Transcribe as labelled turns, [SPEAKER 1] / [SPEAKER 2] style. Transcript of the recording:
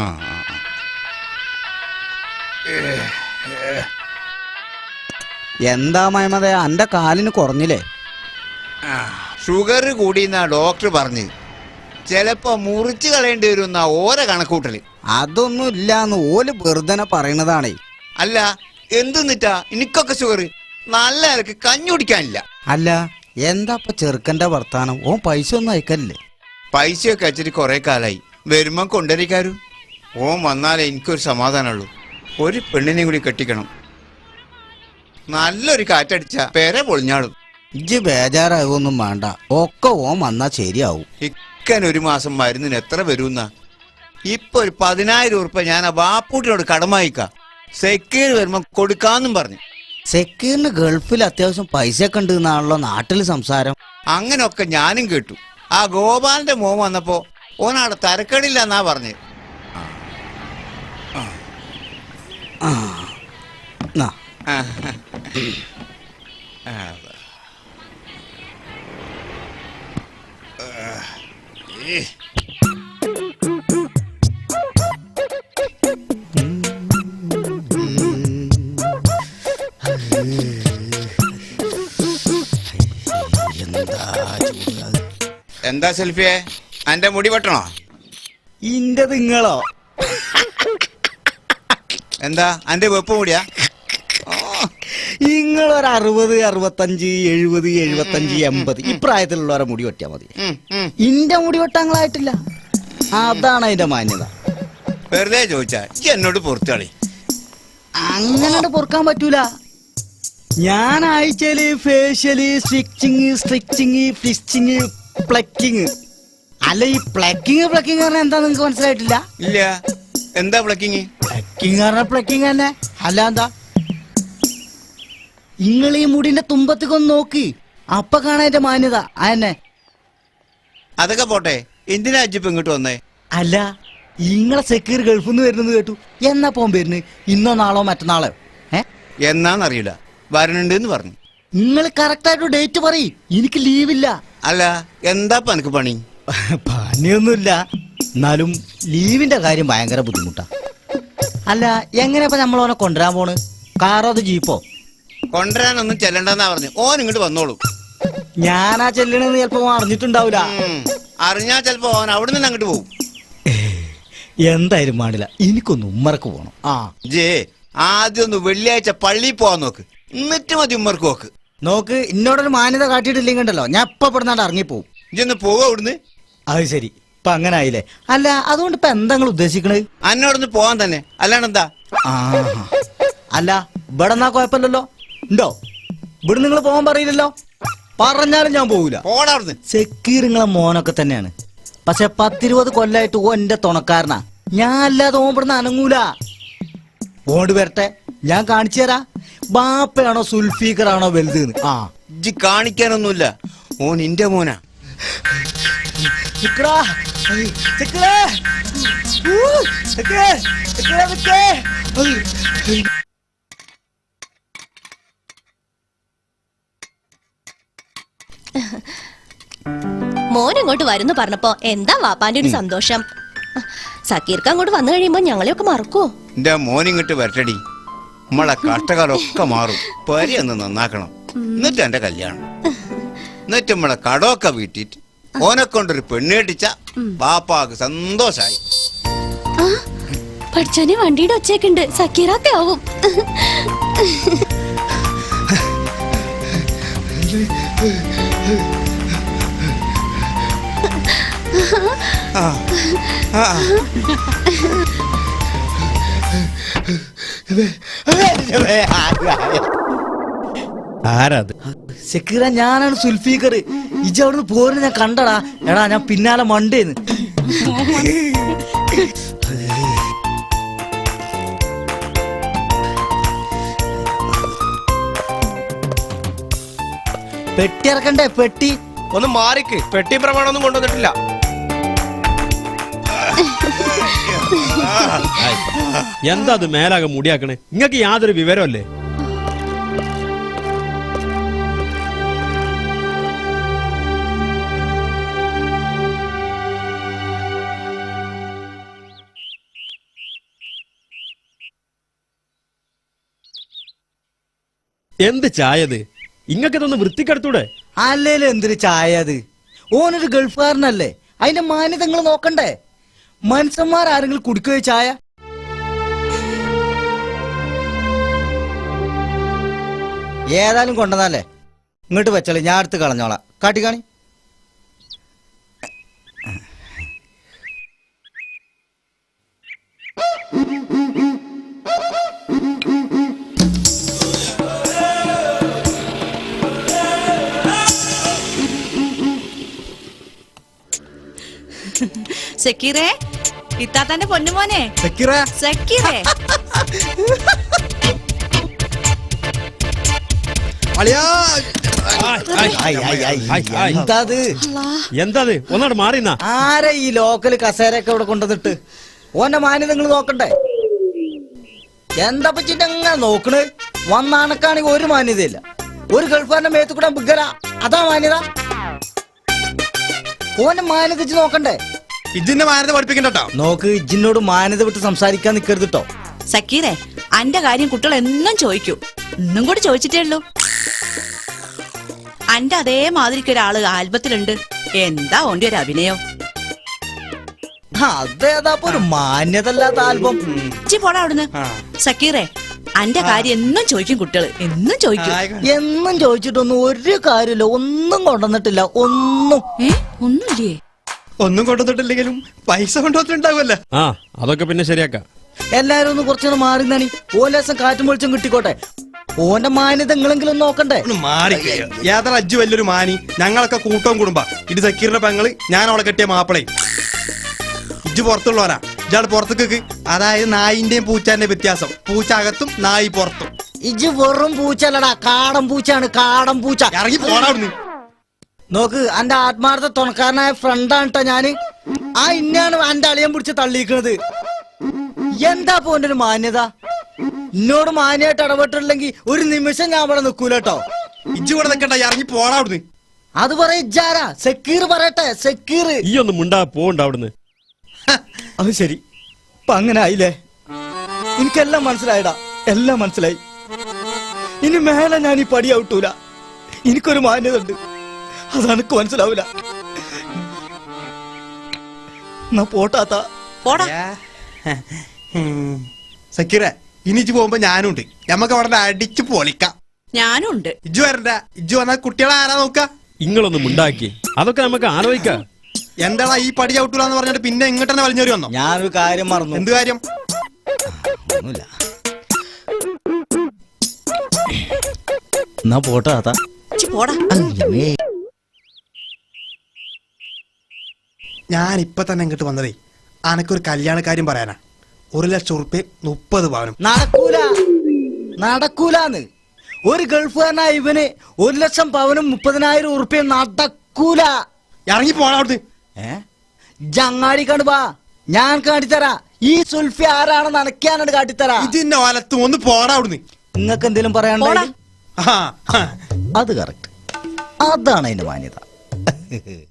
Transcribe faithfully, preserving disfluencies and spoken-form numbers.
[SPEAKER 1] എന്താ മയമതേ അന്റെ കാലിന് കുറഞ്ഞില്ലേ?
[SPEAKER 2] ഷുഗർ കൂടിയെന്നാ ഡോക്ടർ പറഞ്ഞു. ചിലപ്പോ മുറിച്ച് കളയേണ്ടി വരും ഓരോ കണക്കൂട്ടല്.
[SPEAKER 1] അതൊന്നും ഇല്ലാന്ന് ഓല് വെറുതെ പറയണതാണേ.
[SPEAKER 2] അല്ല എന്തെന്നിട്ടാ എനിക്കൊക്കെ ഷുഗർ നല്ല നിലക്ക് കഞ്ഞി കുടിക്കാനില്ല.
[SPEAKER 1] അല്ല എന്താ ഇപ്പൊ ചെറുക്കന്റെ വർത്താനം? ഓൻ പൈസ ഒന്നും അയക്കല്ലേ?
[SPEAKER 2] പൈസയൊക്കെ അയച്ചിട്ട് കുറെ കാലായി. വരുമ്പം കൊണ്ടുവരിക്കാരും. ഓൻ വന്നാലേ എനിക്കൊരു സമാധാനമുള്ളൂ. ഒരു പെണ്ണിനെയും കൂടി കെട്ടിക്കണം. നല്ലൊരു കാറ്റടിച്ച പേരെ പൊളിഞ്ഞാളും.
[SPEAKER 1] ഇജ്ജ് ബേജാറാവൊന്നും വേണ്ട, ഒക്കെ ഓൻ വന്നാ ശരിയാവും.
[SPEAKER 2] ഇക്കൻ ഒരു മാസം മരുന്നിന് എത്ര വരുന്ന? ഇപ്പൊ ഒരു പതിനായിരം ഉറുപ്പ ഞാൻ ആ ബാപ്പൂട്ടിനോട് കടമായിക്ക. സെക്യൂർ വരുമ്പോ കൊടുക്കാന്നും പറഞ്ഞു.
[SPEAKER 1] സെക്യൂറിന് ഗൾഫിൽ അത്യാവശ്യം പൈസ ഒക്കെ ഉണ്ട് എന്നാണല്ലോ നാട്ടിൽ സംസാരം.
[SPEAKER 2] അങ്ങനൊക്കെ ഞാനും കേട്ടു. ആ ഗോപാലിന്റെ മോൻ വന്നപ്പോ ഓനാടെ തരക്കടില്ല എന്നാ പറഞ്ഞ്. എന്താ സെൽഫിയെ, അന്റെ മുടി വെട്ടണോ?
[SPEAKER 1] ഇന്റെ നിങ്ങളോ?
[SPEAKER 2] എന്താ അന്റെ വെപ്പ് മുടിയാ?
[SPEAKER 1] നിങ്ങളൊരു അറുപത് അറുപത്തഞ്ച് എഴുപത് എഴുപത്തഞ്ച് എൺപത് ഇപ്രായത്തിലുള്ളവരെ മുടി വെട്ടിയാ മതി. ഇന്റെ മുടി വെട്ടാങ്ങളായിട്ടില്ല. അതാണ് അതിന്റെ മാന്യത.
[SPEAKER 2] വെറുതെ ചോദിച്ചാ എന്നോട് പൊറത്തുകളി.
[SPEAKER 1] അങ്ങനെ പൊറുക്കാൻ പറ്റൂല. ഞാൻ ആഴ്ചയില് ഫേഷ്യല്, സ്റ്റിച്ചിങ്, സ്ട്രിച്ചിങ്, ഫിസ്റ്റിങ്, പ്ലക്കിങ്. അല്ല ഈ പ്ലക്കിങ് പ്ലക്കിങ് പറഞ്ഞാൽ എന്താ നിങ്ങക്ക് മനസ്സിലായിട്ടില്ല?
[SPEAKER 2] ഇല്ല. എന്താ പ്ലക്കിങ്?
[SPEAKER 1] പ്ലക്കിങ് പറഞ്ഞ പ്ലക്കിങ് തന്നെ. അല്ല എന്താ? നിങ്ങൾ ഈ മുടിന്റെ തുമ്പത്തേക്കൊന്ന് നോക്ക്, അപ്പൊ കാണാൻ മാന്യത. അതന്നെ.
[SPEAKER 2] അതൊക്കെ പോട്ടെ, എന്തിനാ അജിപ്പ് ഇങ്ങോട്ട് വന്നേ?
[SPEAKER 1] അല്ല ഇങ്ങളെ സെക്യൂർ ഗൾഫിൽ നിന്ന് വരുന്നത് കേട്ടു. എന്നാ പോകാൻ വരുന്നത്? ഇന്നോ നാളോ മറ്റന്നാളോ? ഏ
[SPEAKER 2] എന്നാന്നറിയില്ല, വരണുണ്ട് എന്ന് പറഞ്ഞു.
[SPEAKER 1] നിങ്ങൾ കറക്റ്റ് ആയിട്ട് ഡേറ്റ് പറയ്, എനിക്ക് ലീവില്ല.
[SPEAKER 2] അല്ല എന്താ എനിക്ക് പണി?
[SPEAKER 1] പണിയൊന്നുമില്ല, എന്നാലും ലീവിന്റെ കാര്യം ഭയങ്കര ബുദ്ധിമുട്ടാ. അല്ല എങ്ങനെയാ നമ്മൾ ഓനെ കൊണ്ടുവരാൻ പോണ്? കാറോ അത് ജീപ്പോ?
[SPEAKER 2] കൊണ്ടുവരാനൊന്നും ചെല്ലണ്ടെന്നാ പറഞ്ഞു. ഓൻ ഇങ്ങോട്ട് വന്നോളൂ.
[SPEAKER 1] ഞാനാ ചെല്ലണെന്ന് ചിലപ്പോ അറിഞ്ഞിട്ടുണ്ടാവൂല.
[SPEAKER 2] അറിഞ്ഞാ ചിലപ്പോ ഓൻ അവിടെ നിന്ന് അങ്ങോട്ട് പോകും.
[SPEAKER 1] എന്തായാലും പാടില്ല, എനിക്കൊന്ന് ഉമ്മർക്ക് പോണം. ആ
[SPEAKER 2] ജേ ആദ്യം ഒന്ന് വെള്ളിയാഴ്ച പള്ളിയിൽ പോവാൻ നോക്ക്, എന്നിട്ട് മതി ഉമ്മർക്ക് നോക്ക്.
[SPEAKER 1] നോക്ക്, ഇന്നോടൊരു മാന്യത കാട്ടിയിട്ടില്ലെങ്കിണ്ടല്ലോ ഞാൻ ഇപ്പൊ പെടുന്നാണ്ട് ഇറങ്ങിപ്പോവും.
[SPEAKER 2] ഇജൊന്ന് പോവാ അവിടുന്ന്.
[SPEAKER 1] അത് ശരി, ഇപ്പൊ അങ്ങനെ ആയില്ലേ? അല്ല അതുകൊണ്ട് ഇപ്പൊ എന്താ നിങ്ങൾ ഉദ്ദേശിക്കണത്?
[SPEAKER 2] അന്നോടൊന്ന് പോവാൻ തന്നെ, അല്ലാണ്ടെന്താ?
[SPEAKER 1] ആ അല്ല ഇവിടെ എന്നാ കുഴപ്പമില്ലല്ലോ. ഉണ്ടോ? ഇവിടെ നിങ്ങൾ പോകാൻ പറയില്ലല്ലോ. പറഞ്ഞാലും ഞാൻ പോകൂല. സെക്യൂർ നിങ്ങളെ മോനൊക്കെ തന്നെയാണ്, പക്ഷെ പത്തിരുപത് കൊല്ലായിട്ട് ഓ എന്റെ തുണക്കാരനാ. ഞാൻ അല്ലാതെ ഓൻ ഇവിടുന്ന് അനങ്ങൂല. ഓണ്ട് വരട്ടെ, ഞാൻ കാണിച്ചു തരാ. ബാപ്പയാണോ സുൽഫീഖറാണോ വലുത്? ആ
[SPEAKER 2] ഇജ്ജ് കാണിക്കാനൊന്നുമില്ല, ഓൻ നിന്റെ മോനാ.
[SPEAKER 3] മോൻ ഇങ്ങോട്ട് വരുന്നു പറഞ്ഞപ്പോ എന്താ വാപ്പാന്റെ ഒരു സന്തോഷം. സക്കീർക്ക് അങ്ങോട്ട് വന്നു കഴിയുമ്പോ ഞങ്ങളെയൊക്കെ മറക്കുവോ?
[SPEAKER 2] എന്റെ മോൻ ഇങ്ങോട്ട് വരട്ടടി, നമ്മളെ കഷ്ടകാലമൊക്കെ മാറും. പരി ഒന്ന് നന്നാക്കണം, എന്നിട്ട് എന്റെ കല്യാണം. എന്നിട്ട് നമ്മളെ കടമൊക്കെ വീട്ടിട്ട് ഓനെ കൊണ്ടൊരു പെണ്ണ് കെട്ടിച്ച ബാപ്പാക്ക് സന്തോഷായി.
[SPEAKER 3] പഠിച്ചോനെ വണ്ടിയുടെ ഒച്ചയൊക്കെയുണ്ട്, സക്കീറാത്തെ ആവും.
[SPEAKER 1] ആരാത്? സെക്യൂര, ഞാനാണ് സുൽഫീഖർ. ഇജ് അവിടുന്ന് പോരുന്ന ഞാൻ കണ്ടടാ. എടാ ഞാൻ പിന്നാലെ മണ്ടേന്ന്. പെട്ടി ഇറക്കണ്ടേ? പെട്ടി
[SPEAKER 4] ഒന്ന് മാറിക്ക്, പെട്ടി പ്രമാണമൊന്നും കൊണ്ടുവന്നിട്ടില്ല.
[SPEAKER 5] എന്താ അത് മേലാകെ മുടിയാക്കണേ? നിങ്ങൾക്ക് യാതൊരു വിവരമല്ലേ? എന്ത് ചായത് ഇങ്ങക്ക് ഇതൊന്ന് വൃത്തിക്കെടുത്തൂടെ?
[SPEAKER 1] അല്ലേലും എന്തൊരു ചായ അത്. ഓനൊരു ഗൾഫുകാരനല്ലേ, അതിന്റെ മാന്യത നിങ്ങൾ നോക്കണ്ടേ? മനുഷ്യന്മാർ ആരെങ്കിലും കുടിക്കുകയോ ചായ? ഏതായാലും കൊണ്ടുവന്നല്ലേ, ഇങ്ങോട്ട് വെച്ചോളി, ഞാൻ അടുത്ത് കളഞ്ഞോളാം. കാട്ടിക്കാണി.
[SPEAKER 6] സക്കീറേ, ഇത്താത്തന്റെ പൊന്നുമോനെ
[SPEAKER 1] സക്കീറ,
[SPEAKER 6] സക്കീറേ.
[SPEAKER 1] ആയ്, ആയ്, ആയ്, എന്താ അത്?
[SPEAKER 5] എന്താ ഒന്നാട് മാറിന്നാ.
[SPEAKER 1] ആരാ ഈ ലോക്കല് കസേരയൊക്കെ ഇവിടെ കൊണ്ടുവന്നിട്ട്? ഓന്റെ മാന്യത നിങ്ങൾ നോക്കണ്ടേ? എന്താ പറ്റിട്ട് അങ്ങനെ നോക്കണ്? വന്നാണക്കാണെങ്കിൽ ഒരു മാന്യതയില്ല. ഒരു ഗൾഫാറിന്റെ മേത്ത് കൂടെ ബിഗര, അതാ മാന്യത? ഓന്റെ മാന്യത വെച്ച് നോക്കണ്ടേ?
[SPEAKER 4] ഇജിന്റെ മാനത്തെ പഠിപ്പിക്കണ്ടോ?
[SPEAKER 1] നോക്ക്, ഇജിനോട് മാന്യത വിട്ട് സംസാരിക്കാൻ നിക്കരുത് ട്ടോ.
[SPEAKER 6] സക്കീറേ, അന്റെ കാര്യം കുട്ടികൾ എന്നും ചോദിക്കൂ. ഇന്നും കൂടി ചോദിച്ചിട്ടേ ഉള്ളൂ. അന്റെ അതേമാതിരിക്ക് ഒരാള് ആൽബത്തിലുണ്ട്. എന്താ ഓന്റെ ഒരു അഭിനയം.
[SPEAKER 1] അതേതാ ഒരു മാന്യതല്ലാത്ത ആൽബം.
[SPEAKER 6] ഇച്ചി പോടാ അവിടുന്ന്. സക്കീറേ, അന്റെ കാര്യം എന്നും ചോദിക്കും കുട്ടികള്, എന്നും ചോദിക്കും.
[SPEAKER 1] എന്നും ചോദിച്ചിട്ടൊന്നും ഒരു കാര്യമില്ല, ഒന്നും കൊണ്ടുവന്നിട്ടില്ല, ഒന്നും.
[SPEAKER 6] ഏ ഒന്നുമില്ലേ?
[SPEAKER 4] ഒന്നും കൊണ്ടുവന്നിട്ടില്ലെങ്കിലും പൈസ കൊണ്ടുവന്നിട്ടുണ്ടാവുമല്ലോ.
[SPEAKER 5] ആ അതൊക്കെ പിന്നെ ശരിയാക്കാം.
[SPEAKER 1] എല്ലാരും ഒന്ന് കുറച്ചുകൂടെ മാറി നണി. ഓലേസം കാറ്റും വെളിച്ചം കിട്ടിക്കോട്ടെ. ഓന്റെ മാന്യത നിങ്ങളെങ്കിലും നോക്കണ്ടേ?
[SPEAKER 4] ഒന്ന് മാറിക്കയോ. യാത്ര അജ്ജു വലിയൊരു മാനി. ഞങ്ങളൊക്കെ കൂട്ടവും കുടുംബ. ഇത് സക്കീറിന്റെ പെങ്ങള്, ഞാൻ അവളെ കെട്ടിയ മാപ്പിളയും. ഇജ്ജ് പുറത്തുള്ളവരാ, ഇയാൾ പുറത്തേക്ക്. അതായത് നായിന്റെയും പൂച്ചാന്റെ വ്യത്യാസം. പൂച്ച അകത്തും നായി പുറത്തും.
[SPEAKER 1] ഇജ് വെറും പൂച്ചല്ലടാ, കാടൻ പൂച്ചാണ്, കാടൻ പൂച്ച.
[SPEAKER 4] ഇറങ്ങി പോടാ അവിടുന്ന്.
[SPEAKER 1] നോക്ക്, എന്റെ ആത്മാർത്ഥ തുണക്കാരനായ ഫ്രണ്ടാണ് ട്ടോ ഞാന്. ആ ഇന്നാണ് എന്റെ അളിയൻ പിടിച്ച് തള്ളിയിരിക്കണത്. എന്താ പോന്റെ ഒരു മാന്യത? എന്നോട് മാന്യമായിട്ട് ഇടപെട്ടില്ലെങ്കിൽ ഒരു നിമിഷം ഞാൻ അവിടെ നിൽക്കൂല കേട്ടോ.
[SPEAKER 4] ഇജ്ജ് കൂടെ നിൽക്കണ്ട, ഇറങ്ങി പോടാ അവിടുന്ന്.
[SPEAKER 1] അത് പറയ ഇജാരാ? സക്കീർ പറയട്ടെ, സക്കീർ.
[SPEAKER 5] ഈ ഒന്ന് മുണ്ടാ പോണ്ട അവിടുന്ന്.
[SPEAKER 1] അത് ശരി, ഇപ്പൊ അങ്ങനെ ആയില്ലേ? എനിക്കെല്ലാം മനസ്സിലായിടാ, എല്ലാം മനസ്സിലായി. ഇനി മേലെ ഞാൻ ഈ പടി ഔട്ടൂല. എനിക്കൊരു മാന്യത ഉണ്ട്, അതെനിക്ക് മനസ്സിലാവൂല. എന്നാ പോട്ടാത്ത
[SPEAKER 6] പോടാ.
[SPEAKER 4] സക്കീറ, ഇനി ഇജ്ജ് പോകുമ്പോ ഞാനും ഉണ്ട്. ഞമ്മക്ക് അവിടെ അടിച്ചു പൊളിക്കാം.
[SPEAKER 6] ഞാനും ഉണ്ട്.
[SPEAKER 4] ഇജ്ജു വരണ്ട. ഇജ്ജു വന്നാൽ കുട്ടികളെ ആരാ നോക്ക?
[SPEAKER 5] ഇങ്ങളൊന്ന് മുണ്ടാക്കി, അതൊക്കെ നമുക്ക് ആലോചിക്കാം.
[SPEAKER 4] എന്താടാ ഈ പടി ഔട്ടൂലെന്ന് പറഞ്ഞിട്ട് പിന്നെ ഇങ്ങോട്ട് തന്നെ വലിഞ്ഞേറി വന്നോ?
[SPEAKER 1] ഞാനൊരു കാര്യം മറന്നു.
[SPEAKER 4] എന്ത് കാര്യം?
[SPEAKER 1] ഒന്നുമില്ല. എന്നാ പോട്ടാത്ത.
[SPEAKER 6] ഇച്ചി പോടാ.
[SPEAKER 4] ഞാൻ ഇപ്പൊ തന്നെ ഇങ്ങോട്ട് വന്നതേ അനക്കൊരു കല്യാണക്കാര്യം പറയാനാ. ഒരു ലക്ഷം ഉറുപ്പ്യ മുപ്പത് പവനും.
[SPEAKER 1] നടക്കൂല, നടക്കൂലാന്ന്. ഒരു ഗൾഫുകാരനായ ഇവന് ഒരു ലക്ഷം പവനും മുപ്പതിനായിരം ഉറുപ്പ്യ നടക്കൂല.
[SPEAKER 4] ഇറങ്ങി പോടാ അവിടുന്ന്.
[SPEAKER 1] ഏ ജങ്ങാടി കണ്ടുവാ, ഞാൻ കാട്ടിത്തരാ. ഈ സുൽഫി ആരാണെന്ന് അനക്കാനാണ് കാട്ടിത്തരാ.
[SPEAKER 4] ഇതിന്റെ വലത്തും ഒന്ന് പോടാ അവിടുന്ന്.
[SPEAKER 1] നിങ്ങൾക്ക് എന്തെങ്കിലും പറയാനുണ്ടോ?
[SPEAKER 6] പോടാ.
[SPEAKER 4] ആ
[SPEAKER 1] അത് കറക്റ്റ്, അതാണ് അതിന്റെ മാന്യത.